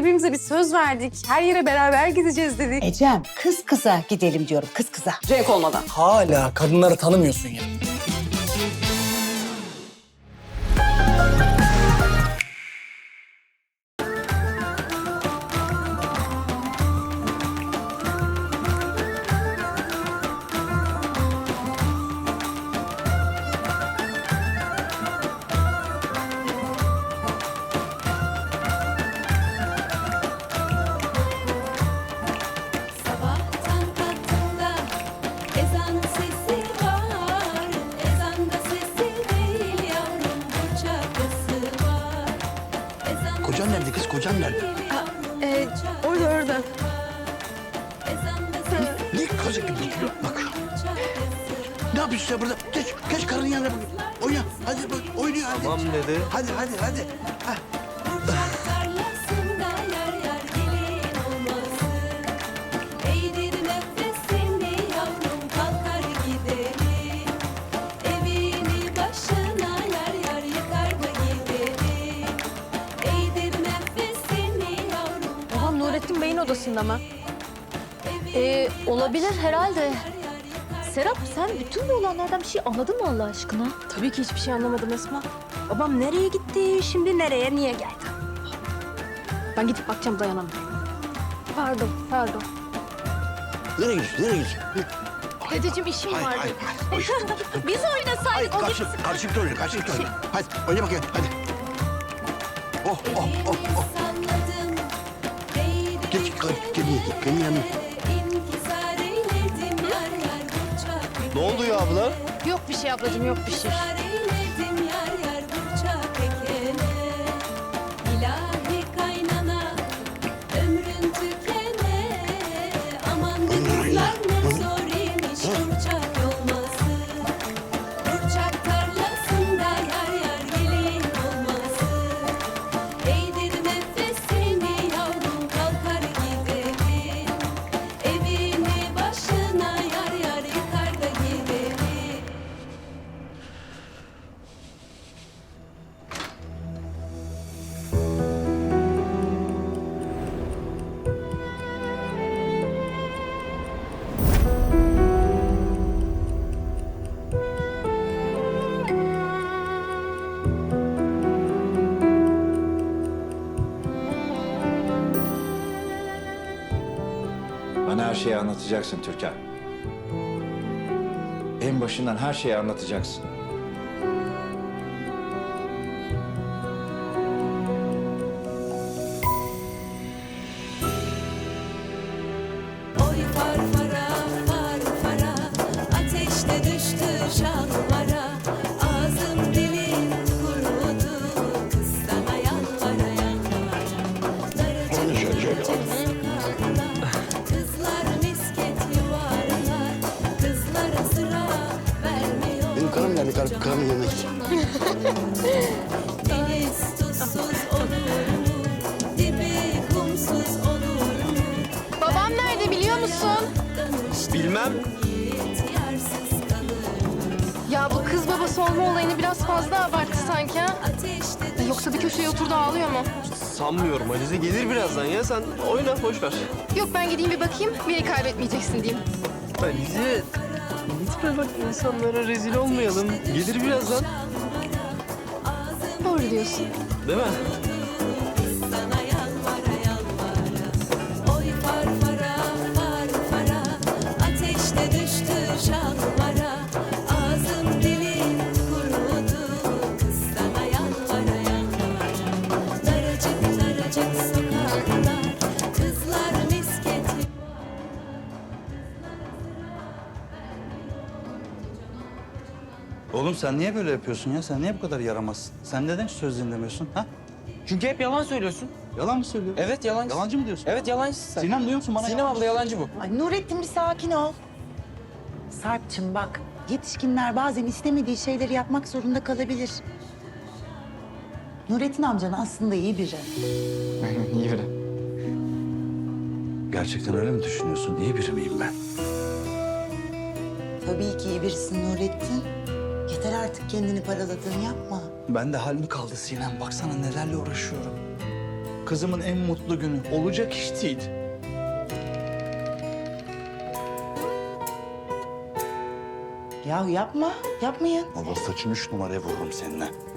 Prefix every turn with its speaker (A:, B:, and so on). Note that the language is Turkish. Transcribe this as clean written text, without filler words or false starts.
A: birbirimize bir söz verdik. Her yere beraber gideceğiz dedik.
B: Ecem, kız kıza gidelim diyorum, kız kıza.
A: Cenk olmadan.
C: Hala kadınları tanımıyorsun ya.
D: Sabahtan kalktığımda ezan sesi var. Ezan da sesi değil yavrum, bu şarkısı var. Ezan
E: Kocan nerede kız? Kocan nerede?
A: Orada.
D: ezan da sesi
E: Ne kazık gibi duruyor? Bak. Ne yapıyorsun sen burada? Geç karının yanına bak. Oyna. Hadi bak oynuyor hadi.
F: Tamam dedi.
E: Hadi. Hah.
D: Burçak tarlasında yar yar gelin olmasın. Eğdir nefesini yavrum, kalkar gidelim. Evini başına yar yar yıkar da gidelim. Eğdir nefesini yavrum.
G: Babam Nurettin Bey'in odasında mı? Olabilir herhalde. Serap sen bütün bu olanlardan bir şey anladın mı Allah aşkına?
A: Tabii ki hiçbir şey anlamadım Esma. Babam nereye gitti, şimdi nereye, niye geldi? Ben gidip bakacağım, dayanamıyorum.
G: Pardon.
E: Nereye gidiyorsun?
G: Dedeciğim işim
E: Hayır.
G: vardı.
E: Hayır.
G: Biz oynasaydık o gitsin.
E: Karşılıklı oyna. Hadi oyna bakayım hadi. Oh.
D: Salladım, değdim
E: Geç gelin yanına.
D: İnkisar eyledim yar yar, burçak
F: Ne oldu ya abla?
G: Yok bir şey ablacığım, yok bir şey.
D: İnkisar eyledim yar yar, burçak ekene. İlahi kaynana, ömrün tükene. Aman ne kızlar ne zor imiş burçak olması. Burçak tarlasında yar yar gelin olması. Eğdir nefesini yavrum, kalkar gidelim. Evini başına yar yar yıkar da gidelim.
H: Bana her şeyi anlatacaksın Türkan. En başından her şeyi anlatacaksın.
D: Oy farfara, farfara, ateşte düştü şalvara. Ağzım dilim kurudu, kız sana yalvara yalvara. Daracık sokaklar, kızlar misket yuvarlar. Kızlara sıra vermiyor.
E: Benim karım nerede? Karımın yanına git.
D: Deniz tuzsuz olur mu? Dibi kumsuz olur mu?
G: Babam nerede biliyor musun?
F: Bilmem.
D: Yiğit yarsız kalır.
G: Ya bu kız babası olma olayını biraz fazla abarttı sanki ha?
D: Ateşte
G: Yoksa bir köşeye oturdu ağlıyor mu?
F: Sanmıyorum. Alize gelir birazdan ya. Sen oyna boş ver.
G: Yok ben gideyim bir bakayım, beni kaybetmeyeceksin diyeyim.
F: Alize. Lütfen bak insanlara rezil olmayalım. Gelir birazdan.
G: Doğru diyorsun.
F: Değil mi?
D: sana yalvara yalvara. Oy farfara, farfara, ateşte düştü şalvara. Ağzım dilim kurudu, kız sana yalvara yalvara. Daracık sokaklar, kızlar misket.
I: Oğlum sen niye böyle yapıyorsun ya? Sen niye bu kadar yaramazsın? Sen neden hiç söz dinlemiyorsun ha?
J: Çünkü hep yalan söylüyorsun.
I: Yalan mı söylüyorsun?
J: Evet yalancı.
I: Yalancı mı diyorsun?
J: Evet yalancısın sen.
I: Sinem duyuyor musun bana?
J: Sinem abla yalancı bu.
B: Ay Nurettin bir sakin ol. Sarp'cığım bak, yetişkinler bazen istemediği şeyleri yapmak zorunda kalabilir. Nurettin amcan aslında iyi biri.
J: Aynen iyi biri.
E: Gerçekten öyle mi düşünüyorsun? İyi biri miyim ben?
B: Tabii ki iyi birisin Nurettin. Yeter artık kendini paraladığını yapma.
I: Ben de hal mi kaldı Sinem? Baksana nelerle uğraşıyorum. Kızımın en mutlu günü. Olacak iş değil.
B: Ya yapma, yapmayın.
I: Baba saçını 3 numaraya vururum seninle.